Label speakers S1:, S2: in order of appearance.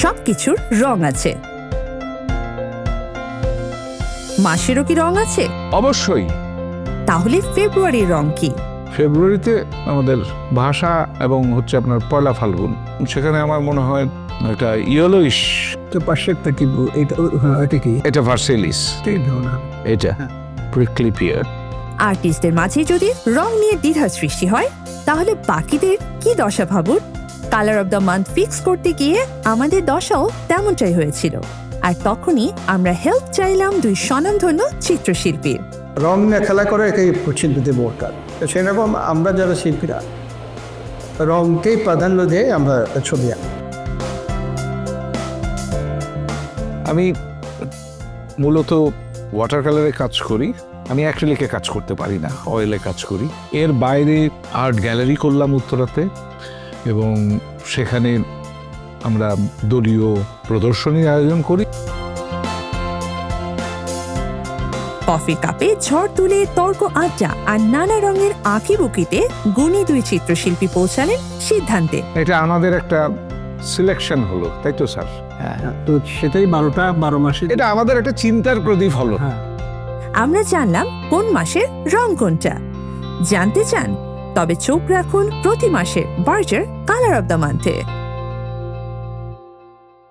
S1: সবকিছুর রং আছে, মাসেরও কি রং আছে?
S2: অবশ্যই।
S1: তাহলে ফেব্রুয়ারির রং কি?
S2: ফেব্রুয়ারিতে আমাদের ভাষা এবং হচ্ছে আপনার পয়লা ফাল্গুন, সেখানে আমার মনে হয় একটা ইয়েলোইশ।
S3: তো পাশেরটা কি? এটা কি?
S2: এটা ভার্সেলিস, এটা প্রিকলি পিয়ার।
S1: আর্টিস্টদের মাঝে যদি রং নিয়ে দ্বিধার সৃষ্টি হয়, তাহলে বাকিদের কি দশা ভাবুন। কালার অব দ্য মান্থ ফিক্স করতে গিয়ে আমাদের দশাও তেমনটাই হয়েছিল। আর তখনই আমরা হেল্প চাইলাম দুই স্বনামধন্য চিত্রশিল্পীর।
S3: রং নিয়ে খেলা করে এটাই শিল্পীদের দরকার। তো সেরকম আমরা যারা শিল্পীরা রংকেই প্রাধান্য দিয়ে আমরা ছবি আঁকি।
S2: আমি মূলত ওয়াটার কালারে কাজ করি, আমি অ্যাক্রিলিকে কাজ করতে পারি না, অয়েলে কাজ করি। এর বাইরে আর্ট গ্যালারি করলাম উত্তরাতে, এবং সেখানে আমরা দলীয় প্রদর্শনীর আয়োজন করি।
S1: কফির কাপে ঝড় তুলে তর্ক আড্ডা আর নানা রঙের আঁকিবুকিতে গুণী দুই চিত্রশিল্পী পৌঁছালেন সিদ্ধান্তে।
S2: এটা আমাদের একটা সিলেকশন হলো, তাই তো স্যার?
S3: তো সেটাই 12 মাসে
S2: এটা আমাদের একটা চিন্তার প্রদীপ হলো।
S1: আমরা জানলাম কোন মাসের রং কোনটা। জানতে চান? তবে চোখ রাখুন প্রতি মাসের বার্জার কালার অব দ্য মান্থে।